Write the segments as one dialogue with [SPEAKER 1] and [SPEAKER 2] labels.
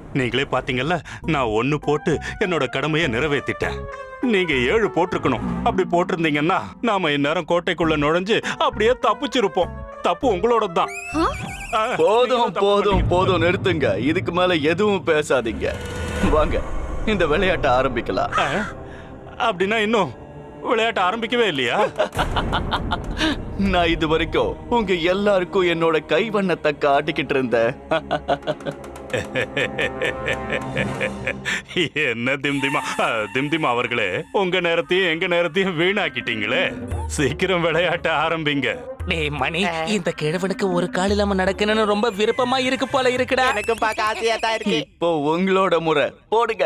[SPEAKER 1] நீங்களே பாத்தீங்கல்ல, நான் 1 போட்டு என்னோட கடமையை நிறைவேத்திட்டேன். நீங்க 7 போட்டிருக்கணும். அப்படி போட்டிருந்தீங்கன்னா நாம இந்நேரம் கோட்டைக்குள்ள நுழைஞ்சு அப்படியே தப்பிச்சிருப்போம். தப்பு உங்களோட தான்.
[SPEAKER 2] போதும் போதும் போதும், நிறுத்துங்க. இதுக்கு மேல எதுவும் பேசாதீங்க. வாங்க, இந்த விளையாட்டை ஆரம்பிக்கலாம்.
[SPEAKER 1] அப்படின்னா இன்னும் விளையாட்ட ஆரம்பிக்கவே இல்லையா?
[SPEAKER 2] நான் இது வரைக்கும் உங்க எல்லாருக்கும் என்னோட கைவண்ணத்தை காட்டிக்கிட்டு இருந்தேன்.
[SPEAKER 1] என்ன திம்திமா அவர்களே, உங்க நேரத்தையும் எங்க நேரத்தையும் வீணாக்கிட்டீங்களே. சீக்கிரம் விளையாட்ட ஆரம்பிங்க.
[SPEAKER 3] டேய் மணி, இந்த கிழவனுக்கு ஒரு கால் இல்லாம நடக்கணும்னு ரொம்ப விருப்பமா இருக்கு போல இருக்குடா.
[SPEAKER 4] எனக்கும் பார்க்க ஆசையா தான் இருக்கு.
[SPEAKER 2] இப்போ உங்களோட முறை, போடுங்க.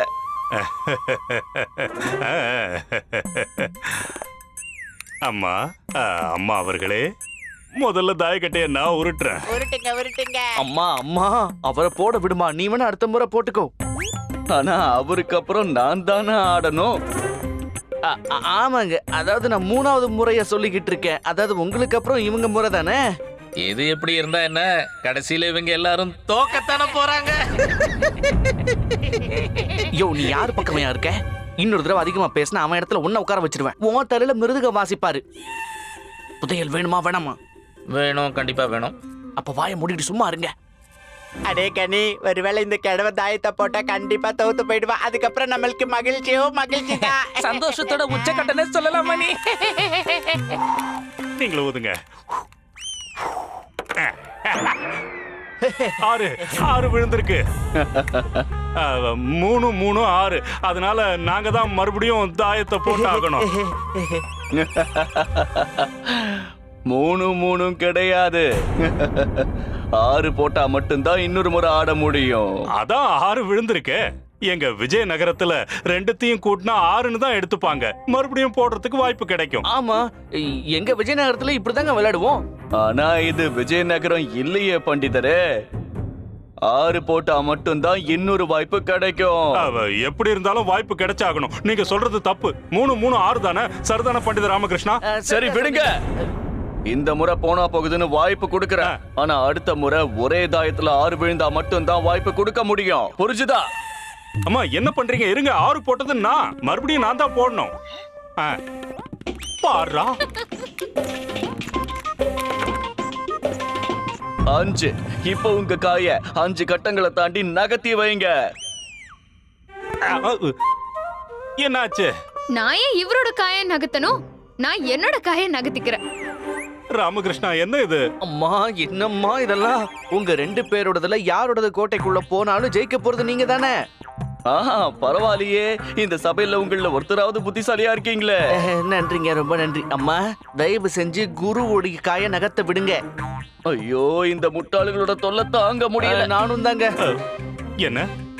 [SPEAKER 1] அம்மா அம்மா அவர்களே, முதல்ல தாயக்கட்டைய நான் உருட்டுறேன்.
[SPEAKER 4] உருட்டுங்க உருட்டுங்க.
[SPEAKER 2] அம்மா அம்மா, அவரை போட விடுமா. நீ வேணா அடுத்த முறை போட்டுக்கோ. ஆனா அவருக்கு அப்புறம் நான் தானே ஆடணும். ஆமாங்க, அதாவது நான் 3வது முறைய சொல்லிக்கிட்டு இருக்கேன். அதாவது உங்களுக்கு அப்புறம் இவங்க முறை தானே.
[SPEAKER 3] எது எப்படி இருந்தா என்ன, கடைசியில இவங்க எல்லாரும் தோக்கத்தானே போறாங்க.
[SPEAKER 5] யோ, நீ யார் பக்கமையா இருக்க? இன்னொரு தடவை அதிகமா பேசினா அவன் இடத்துல உன்ன உட்கார வச்சிருவேன். உன் தலையில மிருதுக வாசிப்பாரு. புதையல் வேணுமா வேணாமா?
[SPEAKER 3] வேணும், கண்டிப்பா வேணும்.
[SPEAKER 5] அப்ப வாயை மூடிட்டு சும்மா இருங்க.
[SPEAKER 4] அடே கனி, ஒருவேளை இந்த கிழவ தாயத்தை போட்டா கண்டிப்பா தோத்து போயிடுவா. அதுக்கப்புறம் நம்மளுக்கு மகிழ்ச்சியோ மகிழ்ச்சி தான்.
[SPEAKER 3] சந்தோஷத்தோட உச்சக்கட்டனே சொல்லலாம் மணி.
[SPEAKER 1] நீங்களும் ஊதுங்க. 6 விழுந்திருக்கு. 3 3 6. அதனால நாங்க தான் மறுபடியும் தாயத்தை போட்டு ஆகணும்.
[SPEAKER 2] 3 3 கிடையாது. 6 போட்டா மட்டும்தான் இன்னொரு முறை ஆட முடியும்.
[SPEAKER 1] அதான் 6 விழுந்திருக்கு. எங்க விஜயநகரத்துல 2த்தையும் கூட்டினா 6ன்னு தான் எடுத்துப்பாங்க. மறுபடியும் போடுறதுக்கு வாய்ப்பு கிடைக்கும்.
[SPEAKER 5] ஆமா, எங்க விஜயநகரத்துல இப்படிதாங்க விளையாடுவோம்.
[SPEAKER 2] ஆனா இது விஜயநகரம் இல்லையே பண்டிதரே. 6 போட்டா மட்டும்தான் இன்னொரு வாய்ப்பு கிடைக்கும்.
[SPEAKER 1] எப்படி இருந்தாலும் வாய்ப்பு கிடைச்சாகணும். நீங்க சொல்றது தப்பு. 3 3 6 தானே? சரிதானே பண்டித ராமகிருஷ்ணா?
[SPEAKER 2] சரி விடுங்க. இந்த முறை போனா போகுதுன்னு வாய்ப்பு கொடுக்கறேன். ஆனா அடுத்த முறை ஒரே தாயத்துல 6 விழுந்தா மட்டும்தான் வாய்ப்பு கொடுக்க முடியும். புரிஞ்சுதா?
[SPEAKER 1] அம்மா என்ன பண்றீங்க? இருங்க, 6 போட்டது நான். மறுபடியும் நான் தான் போடணும். பாரா
[SPEAKER 2] 5. இப்போ உங்க காய 5 கட்டங்களை தாண்டி நகர்த்தி வைங்க.
[SPEAKER 1] என்னாச்சு?
[SPEAKER 6] நான் ஏன் இவரோட காயை நகர்த்தணும்? நான் என்னோட காயை நகர்த்திக்கிறேன்.
[SPEAKER 1] ராமகிருஷ்ணா, என்ன இது?
[SPEAKER 5] அம்மா, என்னம்மா இதெல்லாம்? உங்க 2 பேரோடதுல யாரோடது கோட்டைக்குள்ள போனாலும் ஜெயிக்க போறது நீங்க தானே.
[SPEAKER 2] ஆஹா, பரவாயில்லையே. இந்த சபையில உங்கள ஒருத்தராவது புத்திசாலியா இருக்கீங்களே.
[SPEAKER 5] நன்றிங்க, ரொம்ப நன்றி. அம்மா, தயவு செஞ்சு குருவோடைய காயை நகர்த்த விடுங்க.
[SPEAKER 2] ஐயோ, இந்த முட்டாளுகளோட தொல்லை தாங்க முடியல.
[SPEAKER 5] நானும் தாங்க.
[SPEAKER 1] என்ன?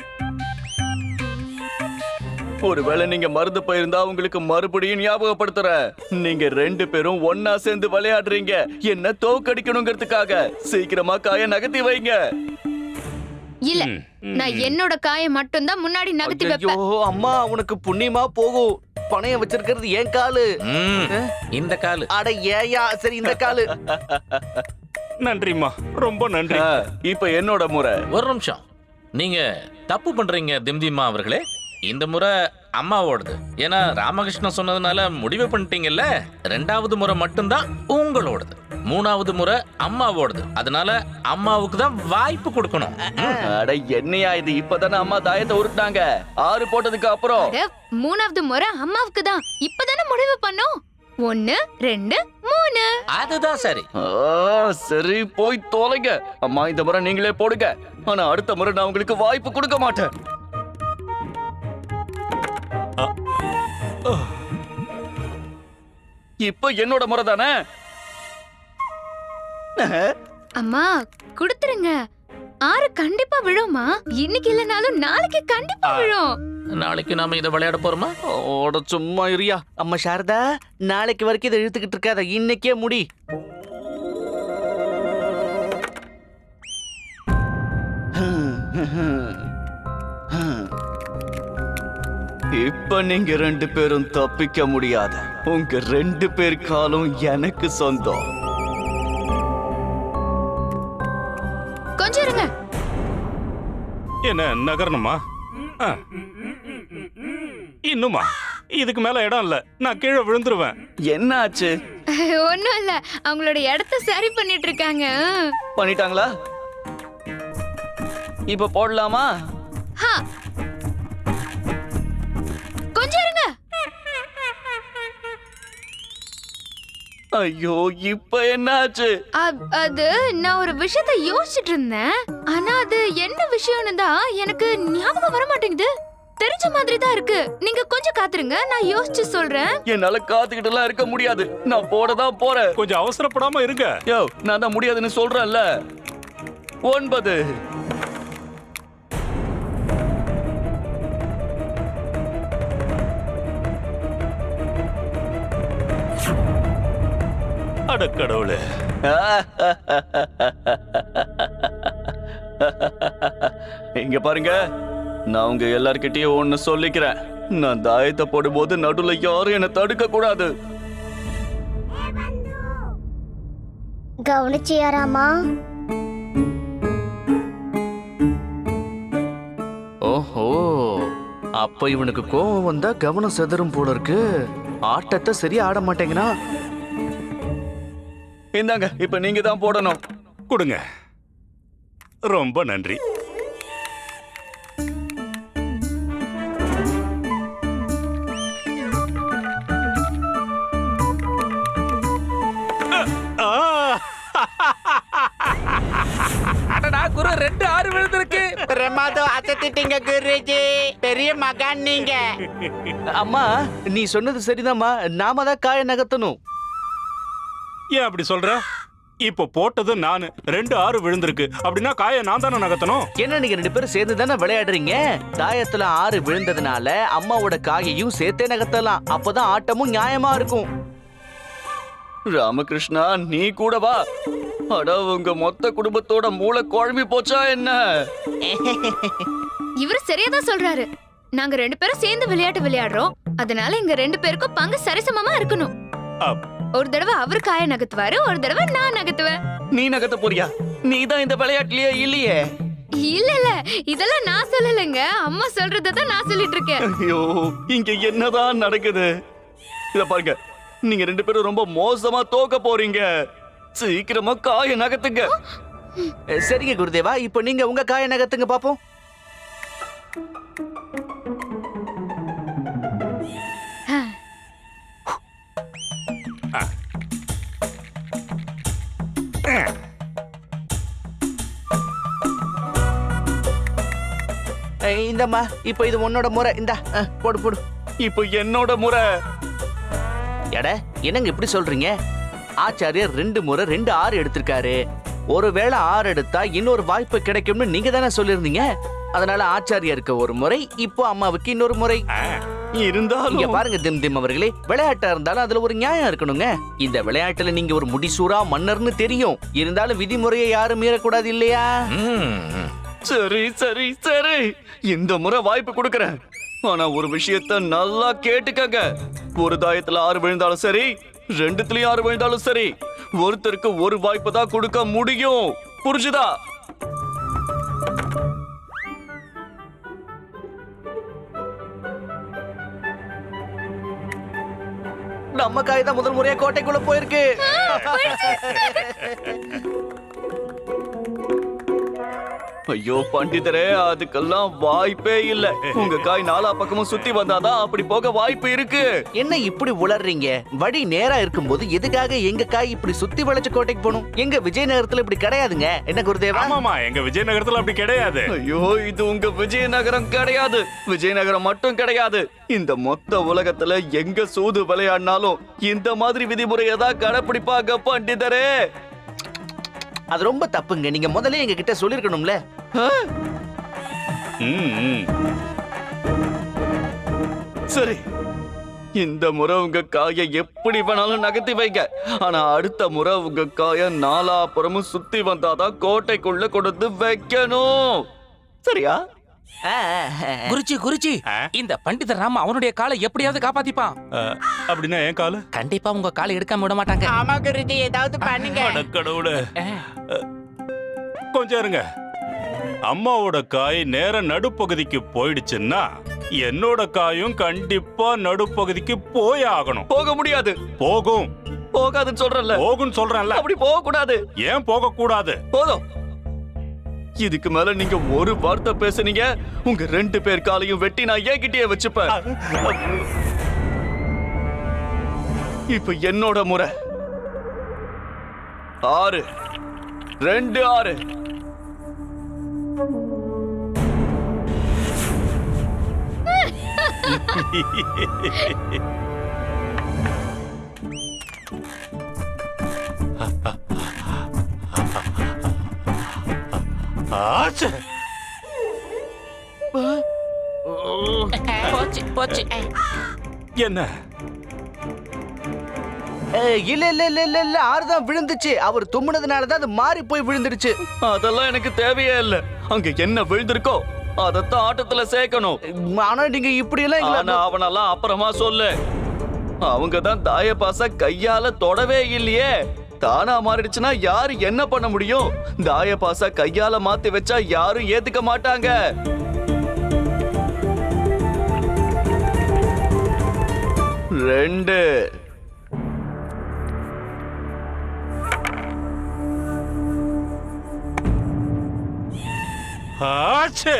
[SPEAKER 2] ஒருவேளை நீங்க மறந்து போயிருந்தா உங்களுக்கு மறுபடியும் ஞாபகப்படுத்துறேன். நீங்க 2 பேரும் ஒன்னா சேர்ந்து விளையாடுறீங்க என்ன தோக்கடிக்கணுங்கிறதுக்காக. சீக்கிரமா காய நகர்த்தி வைங்க.
[SPEAKER 6] இல்ல, நான் என்னோட காயை மட்டும் தான் முன்னாடி நகர்த்தி
[SPEAKER 5] ஐயோ
[SPEAKER 6] வைப்பேன்.
[SPEAKER 5] அம்மா, உனக்கு புண்ணியமா போகும். பணைய வச்சிருக்கிறது என் காலு.
[SPEAKER 3] இந்த காலு.
[SPEAKER 5] அட ஏயா, சரி இந்த காலு.
[SPEAKER 1] நன்றிம்மா, ரொம்ப நன்றி.
[SPEAKER 2] இப்ப என்னோட முறை.
[SPEAKER 3] ஒரு நிமிஷம், நீங்க தப்பு பண்றீங்க திம்திமா அவர்களே. இந்த முறை அம்மாவோடது. ஏன்னா ராமகிருஷ்ணன் சொன்னதுனால முடிவு பண்ணிட்டீங்கல்ல. 2வது முறை மட்டும்தான் உங்களோடது. 3வது முறை அம்மாவோடது. அதனால அம்மாவுக்கு தான் வாய்ப்பு கொடுக்கணும்.
[SPEAKER 2] அட என்னையா இது? இப்பதானே அம்மா தாயத்தை உருட்டாங்க. 6 போட்டதுக்கு அப்புறம்
[SPEAKER 6] 3வது முறை அம்மாவுக்கு தான். இப்பதானே முடிவு பண்ணோம். 1 2 3.
[SPEAKER 3] அதுதான் சரி.
[SPEAKER 2] சரி, போய் தொலைங்க. அம்மா, இந்த முறை நீங்களே போடுங்க. ஆனா அடுத்த முறை நான் உங்களுக்கு வாய்ப்பு கொடுக்க மாட்டேன். இப்ப என்னோட முறை தானே.
[SPEAKER 6] அம்மா, கொடுத்துருங்க. 6 கண்டிப்பா விழுமா? இன்னைக்கு இல்லனாலும் நாளைக்கு கண்டிப்பா விழும்.
[SPEAKER 3] நாளைக்கு நாம இதை விளையாட போறோமா?
[SPEAKER 5] ஓட சும்மா இருயா. அம்மா சாரதா, நாளைக்கு வரைக்கும் இதை இழுத்துக்கிட்டு இருக்காத. இன்னைக்கே முடி.
[SPEAKER 2] இப்ப நீங்க 2 பேரும் தப்பிக்க முடியாது. உங்க 2 பேர் காலும் எனக்கு சொந்தம்.
[SPEAKER 6] கொஞ்சம் இருங்க.
[SPEAKER 1] என்ன நகரணுமா? ஆ. இன்னுமா? இதுக்கு மேல இடம் இல்ல, நான் கீழே விழுந்துருவேன்.
[SPEAKER 2] என்ன ஆச்சு?
[SPEAKER 6] ஒண்ணும் இல்ல, அவங்களோட இடத்த சரி பண்ணிட்டு இருக்காங்க.
[SPEAKER 2] பண்ணிட்டாங்களா? இப்ப போடலாமா?
[SPEAKER 6] ஹா. கொஞ்சம் இருங்க.
[SPEAKER 2] ஐயோ, இப்ப என்ன ஆச்சு?
[SPEAKER 6] அது நான் ஒரு விஷயத்த யோசிச்சுட்டு இருந்தேன். ஆனா அது என்ன விஷயம்னு தான் எனக்கு ஞாபகம் வர மாட்டேங்குது. தெரிஞ்ச மாதிரி தான் இருக்கு. நீங்க கொஞ்சம் காத்துருங்க, நான் யோசிச்சு சொல்றேன்.
[SPEAKER 2] என்னால காத்துக்கிட்டு எல்லாம் இருக்க முடியாது. நான் போடதான் போறேன்.
[SPEAKER 1] கொஞ்சம் அவசரப்படாம இருங்க.
[SPEAKER 2] யோ, நான் தான் முடியாதுன்னு சொல்றேன்ல. 9.
[SPEAKER 1] அட கடவுளே.
[SPEAKER 2] இங்க பாருங்க, நான் உங்க எல்லார்கிட்டயும் ஒண்ணு சொல்லிக்கிறேன். நான் தாயத்தை போடும்போது நடுவுல யாரும் என்ன தடுக்க கூடாது.
[SPEAKER 7] கவனிச்சியாராமா?
[SPEAKER 5] ஓஹோ, அப்ப இவனுக்கு கோவம் வந்தா கவனம் செதறும் போல இருக்கு. ஆட்டத்தை சரியா ஆட மாட்டேங்கிறான்.
[SPEAKER 2] இந்தாங்க, இப்ப நீங்க தான் போடணும்.
[SPEAKER 1] கொடுங்க. ரொம்ப நன்றி.
[SPEAKER 8] அடடா குரு, 2 6 விழுந்திருக்கு.
[SPEAKER 4] பிரமாதம், அசத்திட்டீங்க குருஜி. பெரிய மகான் நீங்க.
[SPEAKER 5] அம்மா, நீ சொன்னது சரிதாம்மா. நாம தான் காய நகர்த்தணும்.
[SPEAKER 1] ஏன் அப்படி சொல்ற? இப்போ போட்டது நானு. 2 6 விழுந்திருக்கு. அப்படின்னா காயை நான் தானே நகர்த்தணும்.
[SPEAKER 5] என்ன நீங்க 2 பேரும் சேர்ந்து தானே விளையாடுறீங்க? தாயத்துல 6 விழுந்ததுனால அம்மாவோட காயையும் சேர்த்தே நகர்த்தலாம். அப்பதான் ஆட்டமும் நியாயமா இருக்கும்.
[SPEAKER 2] ராமகிருஷ்ணா, நீ கூட வா. அட, உங்க மொத்த குடும்பத்தோட மூளை குழம்பி போச்சா என்ன?
[SPEAKER 6] இவரு சரியா தான் சொல்றாரு. நாங்க 2 பேரும் சேர்ந்து விளையாட்டு விளையாடுறோம். அதனால எங்க 2 பேருக்கும் பங்கு சரிசமமா இருக்கணும்.
[SPEAKER 1] அப்.
[SPEAKER 6] ஒரு தடவை அவரு காய நகர்த்துவாரு, ஒரு தடவை நான் நகர்த்துவேன்.
[SPEAKER 2] நீ நகர்த்த போறியா? நீ தான் இந்த விளையாட்டுலயே இல்லையே.
[SPEAKER 6] இல்ல இல்ல, இதெல்லாம் நான் சொல்லலைங்க. அம்மா சொல்றதான் நான் சொல்லிட்டு இருக்கேன்.
[SPEAKER 2] ஐயோ, இங்க என்னதான் நடக்குது? இத பாருங்க, நீங்க 2 பேரும் ரொம்ப மோசமா தோக்க போறீங்க. சீக்கிரமா காய நகர்த்துங்க.
[SPEAKER 5] சரிங்க குருதேவா, இப்போ நீங்க உங்க காய நகர்த்துங்க பாப்போம். இந்தம்மா, இப்போ இது உன்னோட முறை. இந்தா, போடு போடு.
[SPEAKER 2] இப்போ என்னோட முறை.
[SPEAKER 5] எட, என்னங்க இப்படி சொல்றீங்க? ஆச்சாரியர் 2 முறை 2 6 எடுத்திருக்காரு. ஒருவேளை 6 எடுத்தா இன்னொரு வாய்ப்பு கிடைக்கும்னு நீங்க தானே சொல்லிருந்தீங்க. அதனால ஆச்சாரியருக்கு ஒரு முறை, இப்போ அம்மாவுக்கு இன்னொரு முறை.
[SPEAKER 2] இருந்தாலும்
[SPEAKER 5] இங்க பாருங்க திம் திம் அவர்களே, விளையாட்டா இருந்தாலும் அதுல ஒரு நியாயம் இருக்கணுங்க. இந்த விளையாட்டுல நீங்க ஒரு முடிசூரா மன்னர்னு தெரியும். இருந்தாலும் விதிமுறையை யாரும் மீறக்கூடாது இல்லையா?
[SPEAKER 2] சரி சரி சரி, இந்த முறை வாய்ப்பு கொடுக்கறேன். ஆனா ஒரு விஷயத்த நல்லா கேட்டுக்கங்க. ஒரு தாயத்துல 6 விழுந்தாலும் சரி, 2த்துலயும் 6 விழுந்தாலும் சரி, ஒருத்தருக்கு ஒரு வாய்ப்பு தான் கொடுக்க முடியும். புரிஞ்சுதா?
[SPEAKER 5] நம்ம காய் தான் முதல் முறையா கோட்டைக்குள்ள போயிருக்கு.
[SPEAKER 2] ஐயோ பண்டிதரே, அதுக்கெல்லாம் வாய்ப்பே இல்ல. உங்க காய் 4 பக்கமும் சுத்தி வந்தாதான் அப்படி போக வாய்ப்பு இருக்கு.
[SPEAKER 5] என்ன இப்படி உளறீங்க? வழி நேரா இருக்கும்போது எதுக்காக எங்க காய் இப்படி சுத்தி வளைச்சு கோட்டைக்கு போகணும்? எங்க விஜயநகரத்துல இப்படி கிடையாதுங்க. என்ன குருதேவா?
[SPEAKER 1] ஆமாமா, எங்க விஜயநகரத்துல அப்படி கிடையாது.
[SPEAKER 2] ஐயோ, இது உங்க விஜயநகரம் கிடையாது. விஜயநகரம் மட்டும் கிடையாது, இந்த மொத்த உலகத்துல எங்க சூது விளையாடினாலும் இந்த மாதிரி விதிமுறையை தான் கடைப்பிடிப்பாங்க பண்டிதரே.
[SPEAKER 5] அது ரொம்ப தப்புங்க. நீங்க முதல்ல எங்க கிட்ட சொல்லிருக்கணும்ல.
[SPEAKER 2] சரி, இந்த முறை உங்க காயை எப்படி வேணாலும் நகர்த்தி வைங்க. ஆனா அடுத்த முறை உங்க காய 4 புறமும் சுத்தி வந்தாதான் கோட்டைக்குள்ள கொடுத்து வைக்கணும். சரியா?
[SPEAKER 8] குருஜி குருஜி, இந்த பண்டிதர் ராம அவனுடைய காலை எப்படியாவது காப்பாத்திப்பான்.
[SPEAKER 1] அப்படின்னா என் காலு?
[SPEAKER 8] கண்டிப்பா உங்க காலை எடுக்காம விட மாட்டாங்க.
[SPEAKER 4] ஆமா குருஜி, ஏதாவது பண்ணுங்க.
[SPEAKER 1] அட கடவுளே. கொஞ்சம் இருங்க. அம்மாவோட காய் நேர நடுப்பகுதிக்கு போயிடுச்சுன்னா என்னோட காயும் கண்டிப்பா நடுப்பகுதிக்கு போய் ஆகணும்.
[SPEAKER 2] போக முடியாது.
[SPEAKER 1] போகும்.
[SPEAKER 2] போகாதுன்னு சொல்றேன்ல.
[SPEAKER 1] போகும்னு சொல்றேன்ல.
[SPEAKER 2] அப்படி போக கூடாது.
[SPEAKER 1] ஏன் போக கூடாது?
[SPEAKER 2] போதும். இதுக்கு மேல நீங்க ஒரு வார்த்தை பேசுனீங்க, உங்க 2 பேர் காலையும் வெட்டி நான் என்கிட்டயே வச்சுப்பேன். இப்ப என்னோட முறை. 6 2 6.
[SPEAKER 1] ஆச்சே.
[SPEAKER 8] போச்சு போச்சு.
[SPEAKER 1] என்ன?
[SPEAKER 5] இல்ல இல்ல இல்ல இல்ல இல்ல 6 தான் விழுந்துச்சு. அவர் தும்முனதுனால தான் அது மாறி போய் விழுந்துடுச்சு.
[SPEAKER 2] அதெல்லாம் எனக்கு தேவையே இல்ல. அங்க என்ன விழுந்திருக்கோ அதத்தான் ஆட்டத்துல சேர்க்கணும்.
[SPEAKER 5] ஆனா நீங்க இப்படி எல்லாம்
[SPEAKER 2] ஆனா
[SPEAKER 5] இல்ல.
[SPEAKER 2] அவனெல்லாம் அப்புறமா சொல்லு. அவங்க தான் தாய பாச கையால தொடவே இல்லையே. தானா மாறிடுச்சுன்னா யாரு என்ன பண்ண முடியும்? தாய பாச கையால மாத்தி வச்சா யாரும் ஏத்துக்க மாட்டாங்க. ரெண்டு.
[SPEAKER 1] ஆச்சே.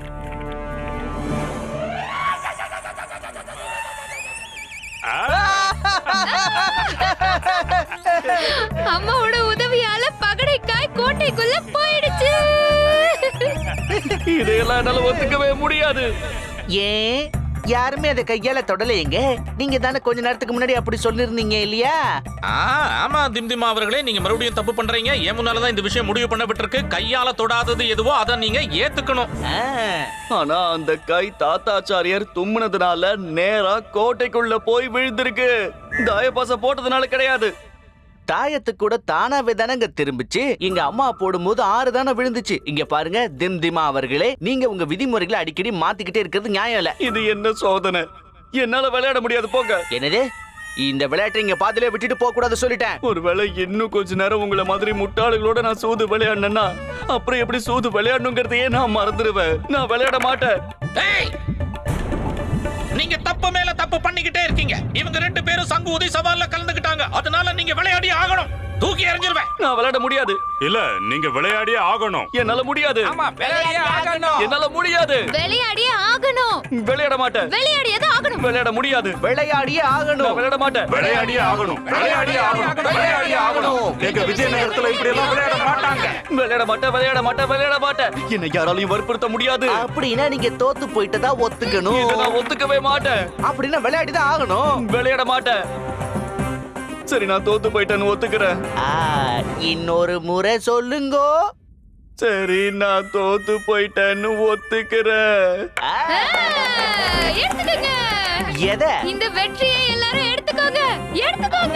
[SPEAKER 6] அம்மாவோட உதவியால பகடைக்காய் கோட்டைக்குள்ள போயிடுச்சு.
[SPEAKER 2] இதையெல்லாம் என்னால ஒத்துக்கவே முடியாது.
[SPEAKER 5] ஏன் யாருமே அதை கையால தொடலையேங்க? நீங்க தானே கொஞ்ச நேரத்துக்கு முன்னாடி அப்படி சொல்லிருந்தீங்க இல்லையா?
[SPEAKER 3] ஆமா திம்திமா அவர்களே, நீங்க மறுபடியும் தப்பு பண்றீங்க. ஏன் முன்னாலதான் இந்த விஷயம் முடிவு பண்ணப்பட்டிருக்கு. கையால தொடாதது எதுவோ அதை நீங்க ஏத்துக்கணும்.
[SPEAKER 2] ஆனா அந்த கை தாத்தாச்சாரியார் தும்முனதுனால நேரா கோட்டைக்குள்ள போய் விழுந்திருக்கு. தாயபாச போட்டதுனால கிடையாது.
[SPEAKER 5] தாயத்து கூட தானாவே தானங்க திரும்பிச்சு. இங்க அம்மா போடும்போது 6 தானே விழுந்துச்சு. இங்க பாருங்க திம்திமா அவர்களே, நீங்க உங்க விதிமுறைகளை அடிக்கடி மாத்திக்கிட்டே இருக்கிறது நியாயம் இல்ல.
[SPEAKER 2] இது என்ன சோதனை? என்னால விளையாட முடியாது, போங்க.
[SPEAKER 5] என்னது? இந்த விளையாட்டை இங்க பாதியிலே விட்டுட்டு போக கூடாது சொல்லிட்டேன்.
[SPEAKER 2] ஒருவேளை இன்னும் கொஞ்ச நேரம் உங்களை மாதிரி முட்டாளுகளோட நான் சூது விளையாடினேன்னா அப்புறம் எப்படி சூது விளையாடணுங்கிறதையே நான் மறந்துடுவேன். நான் விளையாட மாட்டேன்.
[SPEAKER 3] ஏய்! நீங்க தப்பு மேல தப்பு பண்ணிக்கிட்டே இருக்கீங்க. இவங்க 2 பேரும் சங்கு ஊதி சவால்ல கலந்துக்கிட்டாங்க. அதனால நீங்க விளையாடி ஆகணும். தூக்கி எறிஞ்சிருவேன்.
[SPEAKER 2] நான் விளையாட முடியாது.
[SPEAKER 1] இல்ல, நீங்க விளையாடியே ஆகணும்.
[SPEAKER 2] என்னால முடியாது.
[SPEAKER 8] ஆமா விளையாடியே ஆகணும்.
[SPEAKER 2] என்னால முடியாது.
[SPEAKER 6] விளையாடியே ஆகணும்.
[SPEAKER 2] விளையாட மாட்டேன்.
[SPEAKER 6] விளையாடியே ஆகணும்.
[SPEAKER 2] விளையாட முடியாது.
[SPEAKER 5] விளையாடியே
[SPEAKER 2] நான்
[SPEAKER 5] ஆகணும்.
[SPEAKER 2] விளையாட மாட்டேன்.
[SPEAKER 1] விளையாடியே ஆகணும். விளையாடியே ஆகணும். விளையாடியே ஆகணும். எங்க விஜயநகரத்துல இப்படி எல்லாம் விளையாட மாட்டாங்க.
[SPEAKER 2] விளையாட மாட்டேன். விளையாட மாட்டேன். விளையாட மாட்டேன். என்னை யாராலையும் வற்புறுத்த முடியாது.
[SPEAKER 5] அப்படின்னா நீங்க தோத்து போயிட்டதா ஒத்துக்கணும்.
[SPEAKER 2] இதை நான் ஒத்துக்கவே மாட்டேன்.
[SPEAKER 5] அப்படின்னா விளையாடிதான் ஆகணும்.
[SPEAKER 2] விளையாட மாட்டேன். சரி, நான் தோத்து போயிட்டேன்னு ஒத்துக்கிறேன்.
[SPEAKER 5] இன்னொரு முறை சொல்லுங்கோ.
[SPEAKER 2] சரி, நான் தோத்து போயிட்டேன்னு ஒத்துக்கிறேன்.
[SPEAKER 6] எடுத்துக்கங்க.
[SPEAKER 5] எதை?
[SPEAKER 6] இந்த வெற்றியை எல்லாரும் எடுத்துக்கோங்க. எடுத்துக்கோங்க.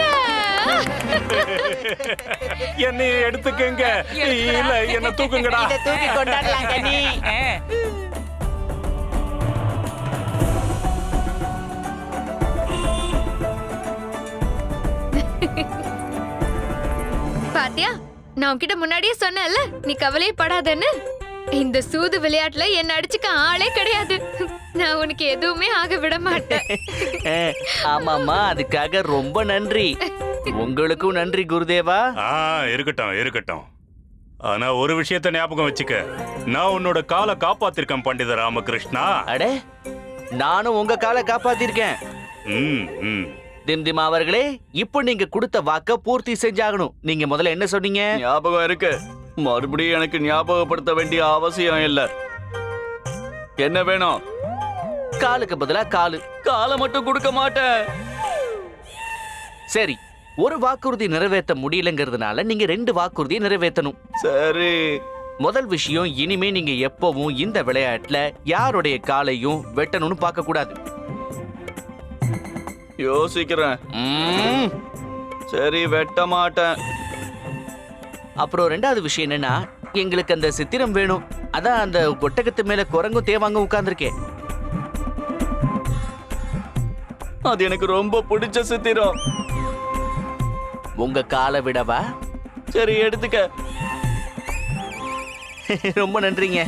[SPEAKER 1] என்னை எடுத்துக்கங்க. இல்ல, என்ன தூக்குங்கடா.
[SPEAKER 4] இதை தூக்கி கொண்டாடலாம் கனி.
[SPEAKER 6] பாத்தியா, நான் உன்கிட்ட முன்னாடியே சொன்னேன்ல, நீ கவலையே படாதன்னு. இந்த சூது விளையாட்டுல என்ன அடிச்சுக்க ஆளே கிடையாது. நான் உனக்கு எதுவுமே ஆக விட மாட்டேன்.
[SPEAKER 5] ஆமாமா, அதுக்காக ரொம்ப நன்றி. உங்களுக்கும் நன்றி குருதேவா.
[SPEAKER 1] இருக்கட்டும் இருக்கட்டும். ஆனா ஒரு விஷயத்தை ஞாபகம் வச்சுக்க. நான் உன்னோட காலை காப்பாத்திருக்கேன் பண்டித ராமகிருஷ்ணா.
[SPEAKER 5] அடே, நானும் உங்க காலை காப்பாத்திருக்கேன். திம்திமா அவர்களே, இப்போ நீங்க கொடுத்த வாக்க பூர்த்தி செஞ்சாகணும். நீங்க முதல்ல என்ன சொன்னீங்க?
[SPEAKER 2] ஞாபகம் இருக்கு. மறுபடியும் எனக்கு ஞாபகப்படுத்த வேண்டிய அவசியம் இல்ல. என்ன வேணும்?
[SPEAKER 5] காலுக்கு பதிலா காலு.
[SPEAKER 2] காலை மட்டும் கொடுக்க மாட்டேன்.
[SPEAKER 5] சரி, ஒரு வாக்குறுதி நிறைவேற்ற முடியலங்கிறதுனால நீங்க 2 வாக்குறுதியை நிறைவேற்றணும்.
[SPEAKER 2] சரி.
[SPEAKER 5] முதல் விஷயம், இனிமே நீங்க எப்பவும் இந்த விளையாட்டுல யாருடைய காலையும் வெட்டணும்னு பார்க்க கூடாது.
[SPEAKER 2] யோசிக்கிறேன். சரி, வெட்ட மாட்டேன்.
[SPEAKER 5] அப்புறம் 2வது விஷயம் என்னன்னா, எங்களுக்கு அந்த சித்திரம் வேணும். அதான் அந்த ஒட்டகத்து மேல குரங்கும் தேவாங்க உட்கார்ந்துருக்கேன்.
[SPEAKER 2] அது எனக்கு ரொம்ப பிடிச்ச சித்திரம்.
[SPEAKER 5] உங்க காலை விடவா?
[SPEAKER 2] சரி, எடுத்துக்க.
[SPEAKER 5] ரொம்ப நன்றிங்க.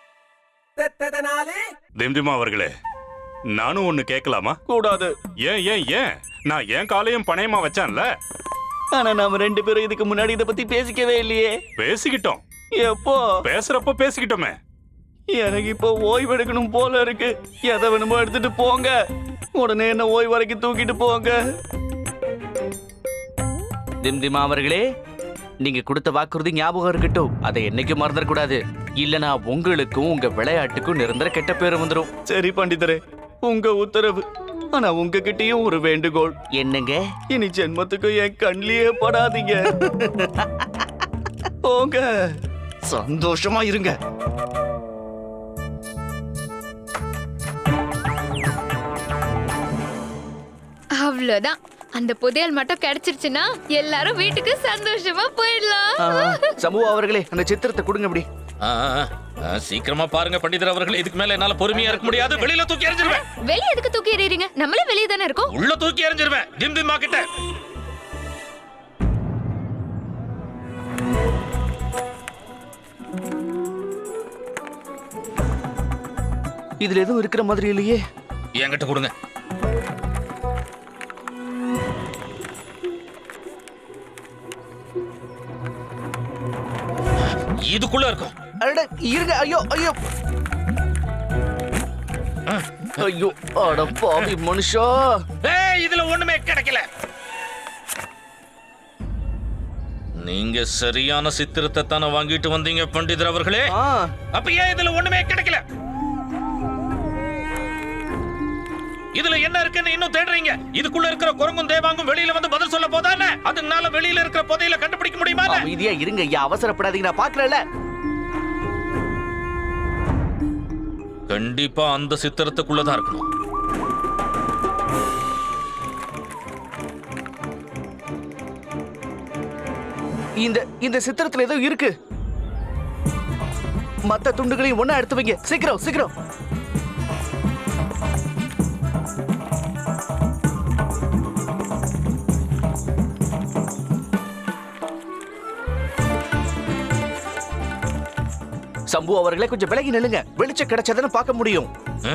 [SPEAKER 1] திம்திமா அவர்களே, நானும் ஒண்ணு கேட்கலாமா?
[SPEAKER 5] கூடாது.
[SPEAKER 1] ஏன் ஏன் ஏன்? நான் என் காலையும் பணையமா வச்சான்ல.
[SPEAKER 5] ஆனா நாம 2 பேரும் இதுக்கு முன்னாடி இத பத்தி பேசிக்கவே இல்லையே.
[SPEAKER 1] பேசிக்கிட்டோம்.
[SPEAKER 5] எப்போ?
[SPEAKER 1] பேசுறப்ப பேசிக்கிட்டோமே.
[SPEAKER 5] எனக்கு இப்போ ஓய்வு எடுக்கணும் போல இருக்கு. எதை வேணுமோ எடுத்துட்டு போங்க. உடனே என்ன ஓய்வு வரைக்கும் தூக்கிட்டு போங்க. திம்திமா அவர்களே, நீங்க கொடுத்த வாக்குறுதி ஞாபகம் இருக்கட்டும். அதை என்னைக்கும் மறந்துடக்கூடாது. இல்லனா உங்களுக்கும் உங்க விளையாட்டுக்கும் நிரந்தர கெட்ட பேரு வந்துடும். சரி பண்டிதரே, உங்க உத்தரவு. ஆனா உங்ககிட்டயும் ஒரு வேண்டுகோள். என்னங்க? இனி ஜென்மத்துக்கு என் கண்ணிலேயே படாதீங்க. போங்க, சந்தோஷமா இருங்க.
[SPEAKER 6] அவ்வளவுதான். அந்த புதையல் மட்டும் கிடைச்சிருச்சுன்னா எல்லாரும் வீட்டுக்கு சந்தோஷமா போயிடலாம்.
[SPEAKER 5] சமூக அவர்களே, அந்த சித்திரத்தை கொடுங்க. அப்படி
[SPEAKER 3] ஆ, ஆ, சீக்கிரமா பாருங்க பண்டிதர் அவர்களே, இதுக்கு மேல என்னால பொறுமையா இருக்க முடியாது. வெளியில தூக்கி எறிஞ்சிருவேன்.
[SPEAKER 6] வெளிய எதுக்கு தூக்கி எறியறீங்க? நம்மளே வெளிய தானே இருக்கோம்.
[SPEAKER 3] உள்ள தூக்கி எறிஞ்சிருவேன் திம்திமா கிட்ட.
[SPEAKER 5] இதுல எதுவும் இருக்கிற மாதிரி இல்லையே.
[SPEAKER 3] என்கிட்ட கொடுங்க. இதுக்குள்ள இருக்கும்.
[SPEAKER 5] அட இருங்க. ஐயோ ஐயோ ஐயோ, அட பாவி மனுஷா.
[SPEAKER 3] ஏய், இதுல ஒண்ணுமே கிடைக்கல. நீங்க சரியான சித்திரத்தை தானே வாங்கிட்டு வந்தீங்க பண்டிதர் அவர்களே. அப்ப ஏன் இதுல ஒண்ணுமே கிடைக்கல? இதுல என்ன இருக்குன்னு இன்னும் தேடுறீங்க? இதுக்குள்ள இருக்கிற குரங்கும் தேவாங்கும் வெளியில வந்து பதில் சொல்ல போதானே? அதனால வெளியில இருக்கிற புதையல கண்டுபிடிக்க முடியுமா?
[SPEAKER 5] அமைதியா இருங்க ஐயா, அவசரப்படாதீங்க. நான் பாக்குறேன்ல.
[SPEAKER 3] கண்டிப்பா அந்த சித்திரத்துக்குள்ளதான் இருக்கணும்.
[SPEAKER 5] இந்த சித்திரத்துல ஏதோ இருக்கு. மத்த துண்டுகளையும் ஒண்ணா எடுத்து வைங்க. சீக்கிரம் சீக்கிரம். சம்பு அவர்களே, கொஞ்சம் விலகி நில்லுங்க. வெளிச்சம் கிடைச்சதுன்னு பார்க்க முடியும்.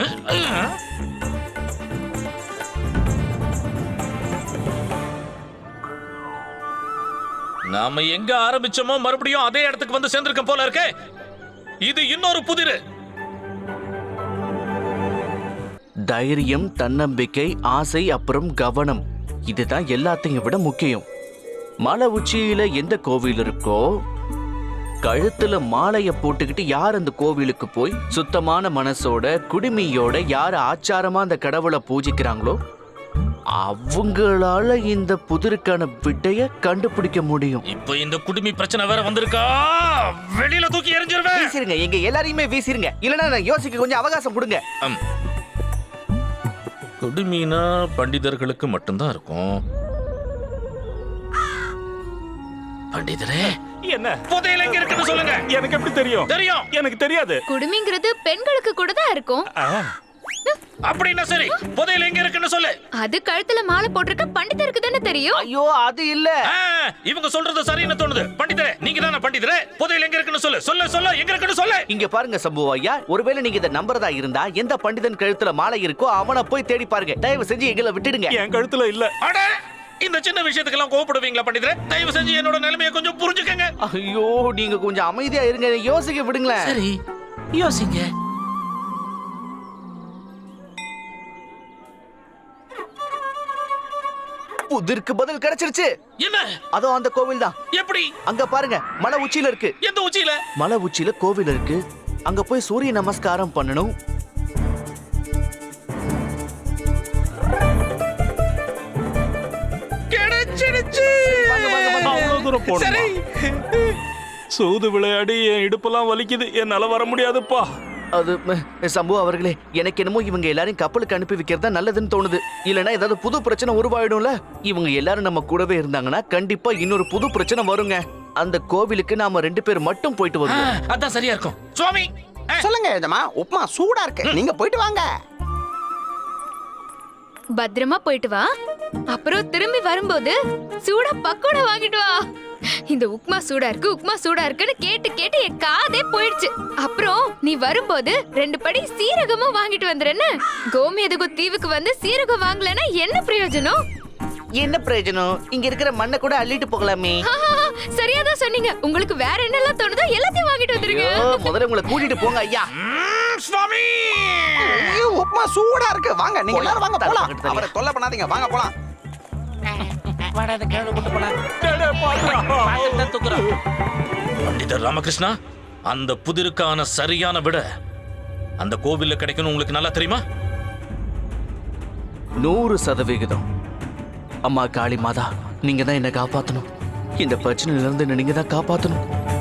[SPEAKER 3] நாம எங்க ஆரம்பிச்சோமோ மறுபடியும் அதே இடத்துக்கு வந்து சேர்ந்திருக்கோம் போல இருக்கே. இது இன்னொரு புதிரு.
[SPEAKER 5] தைரியம், தன்னம்பிக்கை, ஆசை, அப்புறம் கவனம். இதுதான் எல்லாத்தையும் விட முக்கியம். மலை உச்சியில எந்த கோவில் இருக்கோ, கழுத்துல மாலைய போட்டுக்கிட்டு யார் அந்த கோவிலுக்கு போய் சுத்தமான மனசோட குடுமியோட யார் ஆச்சாரமா அந்த கடவுளை பூஜிக்கிறாங்களோ அவங்களால இந்த புதிருக்கான விடைய கண்டுபிடிக்க முடியும்.
[SPEAKER 3] இப்போ இந்த குடுமி பிரச்சனை வேற வந்திருக்கா. வெளியில தூக்கி எறிஞ்சிருவேன்.
[SPEAKER 5] வீசிருங்க, எங்க எல்லாரையுமே வீசிருங்க. இல்லனா நான் யோசிக்க கொஞ்சம் அவகாசம் கொடுங்க.
[SPEAKER 3] குடுமினா பண்டிதர்களுக்கு மட்டும்தான் இருக்கும். பண்டிதரே,
[SPEAKER 1] என்ன
[SPEAKER 3] புதையல் எங்க இருக்குன்னு சொல்லுங்க.
[SPEAKER 1] எனக்கு எப்படி தெரியும்?
[SPEAKER 3] தெரியும்.
[SPEAKER 1] எனக்கு தெரியாது.
[SPEAKER 6] குடுமிங்கிறது பெண்களுக்கு கூட தான் இருக்கும்.
[SPEAKER 3] அப்படின்னா சரி, புதையல் எங்க இருக்குன்னு சொல்லு.
[SPEAKER 6] அது கழுத்துல மாலை போட்டிருக்க பண்டிதருக்கு தானே தெரியும்.
[SPEAKER 5] ஐயோ, அது இல்ல.
[SPEAKER 3] இவங்க சொல்றது சரின்னு தோணுது. பண்டிதரே, நீங்க தானே பண்டிதரே. புதையல் எங்க இருக்குன்னு சொல்லு. சொல்ல சொல்ல எங்க இருக்குன்னு சொல்லு.
[SPEAKER 5] இங்க பாருங்க சம்பு ஐயா, ஒருவேளை நீங்க இத நம்பறதா இருந்தா எந்த பண்டிதன் கழுத்துல மாலை இருக்கோ அவனை போய் தேடி பாருங்க. தயவு செஞ்சு எங்களை விட்டுடுங்க.
[SPEAKER 1] என் கழுத்துல இல்ல.
[SPEAKER 3] அட, இந்த சின்ன விஷயத்துக்கெல்லாம் கோவப்படுவீங்களா பண்டிதரே? தயவு செஞ்சு என்னோட நிலைமையை கொஞ்சம் புரிஞ்சுக்கங்க.
[SPEAKER 5] ஐயோ, நீங்க கொஞ்சம் அமைதியா இருங்க. யோசிக்க விடுங்களேன்.
[SPEAKER 8] சரி, யோசிங்க.
[SPEAKER 5] புதிருக்கு பதில் கிடைச்சிருச்சு.
[SPEAKER 3] என்ன?
[SPEAKER 5] அதோ அந்த கோவில் தான்.
[SPEAKER 3] எப்படி?
[SPEAKER 5] அங்க பாருங்க, மலை உச்சியில இருக்கு.
[SPEAKER 3] எந்த உச்சியில?
[SPEAKER 5] மலை உச்சியில கோவில் இருக்கு. அங்க போய் சூரிய நமஸ்காரம் பண்ணணும்.
[SPEAKER 3] கிடைச்சிடுச்சு.
[SPEAKER 1] அவ்வளவு தூரம் போகணுமா? சூது விளையாடி என் இடுப்பெல்லாம் வலிக்குது. என்னால வர முடியாதுப்பா.
[SPEAKER 5] அது சம்பு அவர்களே, எனக்கு என்னமோ இவங்க எல்லாரையும் கப்பலுக்கு அனுப்பி வைக்கிறதா நல்லதுன்னு தோணுது. இல்லனா ஏதாவது புது பிரச்சனை உருவாயிடும்ல. இவங்க எல்லாரும் நம்ம கூடவே இருந்தாங்கன்னா கண்டிப்பா இன்னொரு புது பிரச்சனை வருங்க. அந்த கோவிலுக்கு நாம 2 பேர் மட்டும் போயிட்டு வருவோம்.
[SPEAKER 3] அதான் சரியா இருக்கும். சுவாமி
[SPEAKER 4] சொல்லுங்க எஜமா, உப்புமா சூடா இருக்கு. நீங்க போயிட்டு வாங்க.
[SPEAKER 6] பத்திரமா போயிட்டு வா. அப்புறம் திரும்பி வரும்போது சூடா பக்கோடா வாங்கிட்டு வா. இந்த உப்மா சூடா இருக்கு உப்மா சூடா இருக்குன்னு கேட்டு கேட்டு என் காதே போயிடுச்சு. அப்புறம் நீ வரும்போது 2 படி சீரகமும் வாங்கிட்டு வந்துறேன்னு. கோமேதகு தீவுக்கு வந்து சீரகம் வாங்கலன்னா என்ன பிரயோஜனம்?
[SPEAKER 5] என்ன பிரயோஜனம்? இங்க இருக்கிற மண்ணை கூட அள்ளிட்டு போகலாமே.
[SPEAKER 6] சரியாதான் சொன்னீங்க. உங்களுக்கு வேற என்னெல்லாம் தோணுதோ எல்லாத்தையும் வாங்கிட்டு வந்துருங்க.
[SPEAKER 5] ஐயோ, முதல்ல உங்களை கூட்டிட்டு போங்க ஐயா.
[SPEAKER 3] சுவாமி
[SPEAKER 7] ஐயோ, உப்புமா சூடா இருக்கு. வாங்க நீங்க எல்லாரும் வாங்க போலாம்.
[SPEAKER 5] தள்ளு.
[SPEAKER 7] அவரை தொல்லை பண்ணாதீங்க, வாங்க போலாம்.
[SPEAKER 8] வாடா அந்த கேடு கொண்டு போலாம். பாத்திரத்தை தூக்குறோம்.
[SPEAKER 3] பண்டிதர் ராமகிருஷ்ணா, அந்த புதிருக்கான சரியான விட அந்த கோவில்ல கிடைக்கணும் உங்களுக்கு நல்லா தெரியுமா?
[SPEAKER 5] 100%. அம்மா காளி மாதா, நீங்க தான் என்ன காப்பாத்தணும். இந்த பிரச்சனையில இருந்து நீங்க தான் காப்பாத்தணும்.